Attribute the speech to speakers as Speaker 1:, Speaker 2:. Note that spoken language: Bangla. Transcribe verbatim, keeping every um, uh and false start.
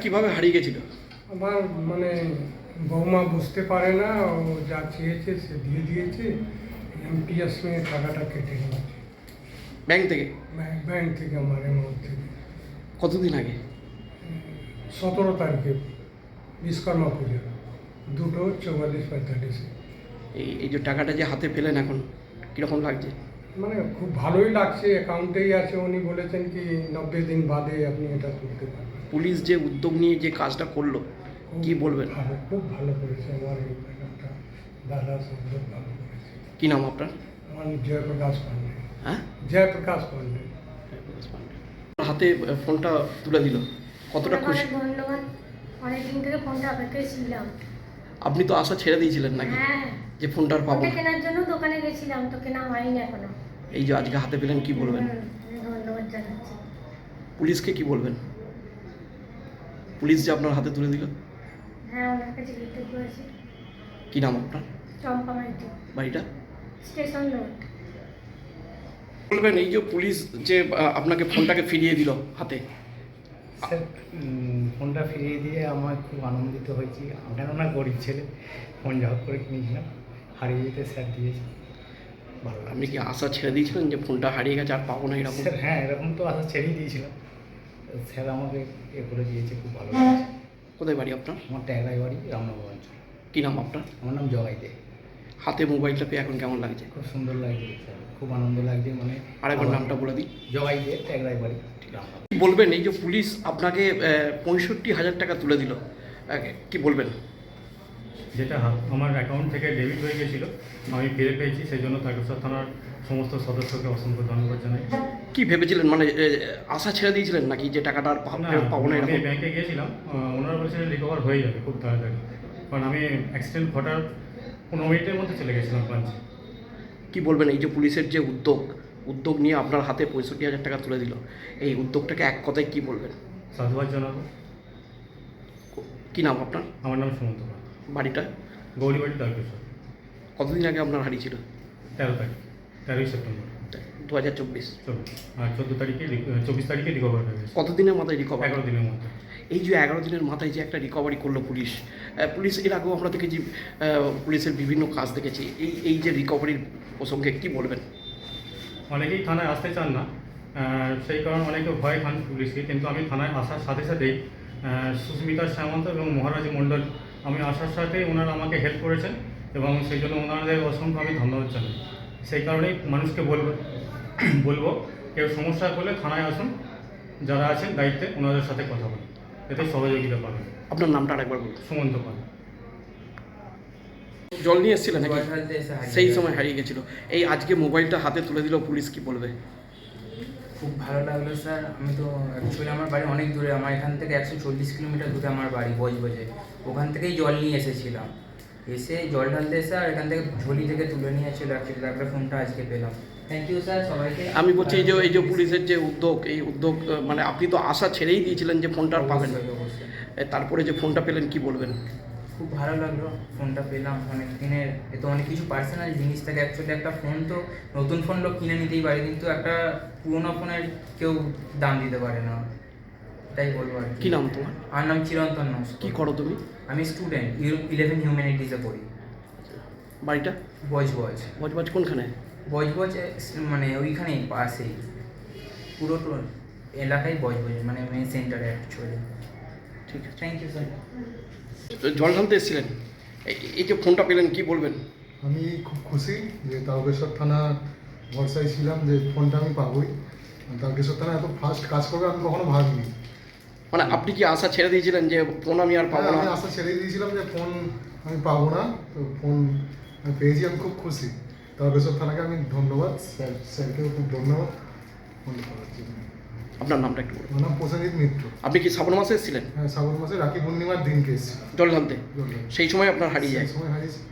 Speaker 1: কিভাবে হারিয়ে গেছিল?
Speaker 2: আমার মানে বৌমা বুঝতে পারে না, ও যা চেয়েছে সে দিয়ে দিয়েছে। এমপিএস নিয়ে টাকাটা কেটে নিয়েছে
Speaker 1: ব্যাংক থেকে?
Speaker 2: ব্যাংক ব্যাংক থেকে, আমার অ্যামাউন্ট থেকে।
Speaker 1: কতদিন আগে?
Speaker 2: সতেরো তারিখে বিশ্বকর্মা পুজো, দুটো চৌয়াল্লিশ পঁয়তাল্লিশে।
Speaker 1: এই এই যে টাকাটা যে হাতে পেলেন এখন কীরকম লাগছে?
Speaker 2: মানে খুব ভালোই লাগছে, অ্যাকাউন্টেই আছে। উনি বলেছেন কি নব্বই দিন বাদে আপনি এটা তুলতে পারবেন।
Speaker 1: পুলিশ যে উদ্যোগ নিয়ে যে কাজটা করলো
Speaker 2: খুব
Speaker 1: কি বলবেন?
Speaker 2: ভালো, খুব ভালো করেছে আমার এই ব্যাপারটা। দাদা সব লোক ভালো করেছে।
Speaker 1: কি নাম আপনার?
Speaker 2: আমার জয়প্রকাশ পান্ডে।
Speaker 1: হ্যাঁ,
Speaker 2: জয়প্রকাশ পান্ডে।
Speaker 1: হাতে ফোনটা তুলে দিল, কতটা খুশি?
Speaker 3: ধন্যবাদ। অনেকদিন থেকে ফোনটা অপেক্ষায় ছিলাম।
Speaker 1: আপনি তো আশা ছেড়ে দিয়েছিলেন নাকি
Speaker 3: হ্যাঁ,
Speaker 1: যে ফোনটা আর পাবো
Speaker 3: ফোনটা
Speaker 1: না?
Speaker 3: কেনার জন্য দোকানে গেছিলাম, তো কেনা হয়নি এখনো।
Speaker 1: এই যে আজকে হাতে পেলেন কি বলবেন?
Speaker 3: হুম, ধন্যবাদ জানাচ্ছি।
Speaker 1: পুলিশকে কি বলবেন? পুলিশ যে আপনার হাতে তুলে দিল।
Speaker 3: হ্যাঁ, ওনার কাছে কৃতজ্ঞ আছি।
Speaker 1: কি নাম আপনার?
Speaker 3: চম্পা মাইতি,
Speaker 1: বাড়িটা?
Speaker 3: Station road.
Speaker 1: বলবেন এই যে পুলিশ যে আহ, আপনাকে ফোনটাকে ফিরিয়ে দিল হাতে,
Speaker 4: স্যার উম, ফোনটা ফিরিয়ে দিয়ে আমার খুব আনন্দিত হয়েছি। কেননা গরিব ছেলে, ফোন জব করে কিনেছিলাম, হারিয়ে যেতে স্যার দিয়েছে, ভালো
Speaker 1: আপনি
Speaker 4: লাগছে।
Speaker 1: কি আশা ছেড়ে দিয়েছিলেন যে ফোনটা হারিয়ে গেছে আর পাবো না এরকম?
Speaker 4: স্যার হ্যাঁ, এরকম তো আশা ছেড়েই দিয়েছিলাম। তো স্যার আমাকে এ করে দিয়েছে, খুব ভালো লাগছে।
Speaker 1: কোথায় বাড়ি আপনার?
Speaker 4: আমার ট্যাগরাই বাড়ি রামনগর অঞ্চল।
Speaker 1: কি নাম আপনার?
Speaker 4: আমার নাম জগাই দে।
Speaker 1: হাতে মোবাইলটা পেয়ে এখন কেমন লাগছে?
Speaker 4: খুব সুন্দর লাগছে স্যার, খুব আনন্দ লাগছে। মানে
Speaker 1: আরেকবার নামটা বলে দিই।
Speaker 4: জগাই দে, ট্যাগরাই বাড়ি, রামনগর।
Speaker 1: কি বলবেন এই যে পুলিশ আপনাকে পঁয়ষট্টি হাজার টাকা তুলে দিল, আহ, কি বলবেন?
Speaker 5: যেটা হাত আমার অ্যাকাউন্ট থেকে ডেবিট হয়ে গেছিলো, আমি ফিরে পেয়েছি, সেই জন্য তারকেশ্বর থানার সমস্ত সদস্যকে অসংখ্য ধন্যবাদ জানাই।
Speaker 1: কি ভেবেছিলেন, মানে আহ, আশা ছেড়ে দিয়েছিলেন নাকি যে টাকাটা আর পা-
Speaker 5: না,
Speaker 1: ফেরত পাবো না
Speaker 5: আমি
Speaker 1: এরকম?
Speaker 5: ব্যাংকে গিয়েছিলাম, আহ, ওনারা বলেছিলেন রিকভার হয়ে যাবে খুব তাড়াতাড়ি, কারণ আমি অ্যাক্সিডেন্ট ঘটার পনেরো মিনিটের মধ্যে চলে গেছিলাম ব্রাঞ্চে।
Speaker 1: কি বলবেন এই যে পুলিশের যে উদ্যোগ উদ্যোগ নিয়ে আপনার হাতে পঁয়ষট্টি হাজার টাকা তুলে দিল, এই উদ্যোগটাকে এক কথায় কি বলবেন?
Speaker 5: সাধুবাদ জানাবো।
Speaker 1: কি নাম আপনার?
Speaker 5: আমার নাম সুমন্ত পাল,
Speaker 1: বাড়িটা?
Speaker 5: গৌরীবাড়ি, তারকেশ্বর।
Speaker 1: কতদিন আগে আপনার হারিয়েছিল?
Speaker 5: তেরো তারিখ, তেরোই সেপ্টেম্বর
Speaker 1: দু হাজার চব্বিশ।
Speaker 5: চব্বিশ আর চোদ্দো তারিখে রি- চব্বিশ তারিখে রিকভার হয়ে গেছে,
Speaker 1: কতদিনের মাথায় রিকভার?
Speaker 5: এগারো দিনের মধ্যে।
Speaker 1: এই যে এগারো দিনের মাথায় যে একটা রিকভারি করলো পুলিশ, আহ, পুলিশ এর আগেও আমরা দেখেছি, আহ, পুলিশের বিভিন্ন কাজ দেখেছি, এই এই যে রিকভারির প্রসঙ্গে কি বলবেন?
Speaker 5: অনেকেই থানায় আসতে চান না, আহ, সেই কারণে অনেকে ভয় খান পুলিশকে, কিন্তু আমি থানায় আসার সাথে সাথেই আহ, সুস্মিতা সামন্ত এবং মহারাজ মণ্ডল, আমি আসার সাথেই ওনারা আমাকে হেল্প করেছেন এবং সেই জন্য ওনাদের অসংখ্য আমি ধন্যবাদ জানাই। সেই কারণেই মানুষকে বলবো বলবো কেউ সমস্যা হলে থানায় আসুন, যারা আছেন দায়িত্বে ওনাদের সাথে কথা বলুন, এতে সহযোগিতা পাবেন।
Speaker 1: আপনার নামটা আরেকবার বলুন।
Speaker 5: সুমন্ত পাল।
Speaker 1: জল নিয়ে এসেছিলেন নাকি?
Speaker 6: জল ঢালতে এসে হারিয়ে
Speaker 1: সেই
Speaker 6: গেছে।
Speaker 1: সময় হারিয়ে গেছিল। এই আজকে মোবাইলটা হাতে তুলে দিল পুলিশ, কি বলবে?
Speaker 6: খুব ভালো লাগলো স্যার। আমি তো অ্যাকচুয়ালি আমার বাড়ি অনেক দূরে, আমার এখান থেকে একশো চল্লিশ কিলোমিটার দূরে আমার বাড়ি বজবজে। ওখান থেকেই জল নিয়ে এসেছিলাম, এসে জল ঢালতে এসে আর এখান থেকে ঝুলি থেকে তুলে নিয়ে চলে অ্যাকচুয়ালি তারপরে ফোনটা আজকে পেলাম। থ্যাংক ইউ স্যার সবাইকে।
Speaker 1: আমি বলছি এই যে এই যে পুলিশের যে উদ্যোগ, এই উদ্যোগ আহ, মানে আপনি তো আশা ছেড়েই দিয়েছিলেন যে ফোনটা আর পাবেন না,
Speaker 6: অবশ্যই, অবশ্যই।
Speaker 1: এ, তারপরে যে ফোনটা পেলেন কি বলবেন?
Speaker 6: খুব ভালো লাগলো ফোনটা পেলাম। অনেক দিনের এ তো অনেক কিছু পার্সোনাল জিনিস থাকে অ্যাকচুয়ালি। একটা ফোন তো নতুন ফোন লোক কিনে নিতেই পারে, কিন্তু একটা পুরোনো ফোনের কেউ দাম দিতে পারে না, তাই বলবো আর
Speaker 1: কি নাম তোমার?
Speaker 6: আমার নাম চিরন্তন নস্কর।
Speaker 1: কি করো তুমি?
Speaker 6: আমি স্টুডেন্ট, ইলেভেন হিউম্যানিটিসে পড়ি।
Speaker 1: বাড়িটা?
Speaker 6: বজ বজ
Speaker 1: বজবাজ কোনখানে?
Speaker 6: বজ বজ মানে ওইখানেই পাশেই, পুরো তো এলাকায় বজ বজ মানে মেন সেন্টারে অ্যাকচুয়ালি।
Speaker 1: ঠিক আছে।
Speaker 6: Thank you sir.
Speaker 1: জল ঢালতে এসেছিলেন, এই এই যে ফোনটা পেলেন কি বলবেন?
Speaker 7: আমি খুব খুশি যে তারকেশ্বর থানা ভরসায় ছিলাম যে ফোনটা আমি পাবোই। তারকেশ্বর থানা এত ফাস্ট কাজ করবে আমি কখনো ভাবিনি।
Speaker 1: মানে আপনি কি আশা ছেড়ে দিয়েছিলেন যে ফোন আমি আর পাবো
Speaker 7: হ্যাঁ,
Speaker 1: না?
Speaker 7: আমি আশা ছেড়ে দিয়েছিলাম যে ফোন আমি পাবো না, তো ফোন আমি পেয়েছি, আমি খুব খুশি। তারকেশ্বর থানাকে আমি ধন্যবাদ, স্যার স্যারকেও খুব ধন্যবাদ ফোনটা পাওয়ার জন্য।
Speaker 1: আপনার নামটা একটু বলুন।
Speaker 7: আমার নাম প্রসেনজিৎ মিত্র।
Speaker 1: আপনি কি শ্রাবণ মাসে এসেছিলেন
Speaker 7: হ্যাঁ, শ্রাবণ মাসে রাখি পূর্ণিমার দিনকে এসেছিলাম
Speaker 1: জল ঢালতে?
Speaker 7: জল ঢালতে।
Speaker 1: সেই সময় আপনার হারিয়ে যায়?
Speaker 7: সেই সময় হারিয়েছি।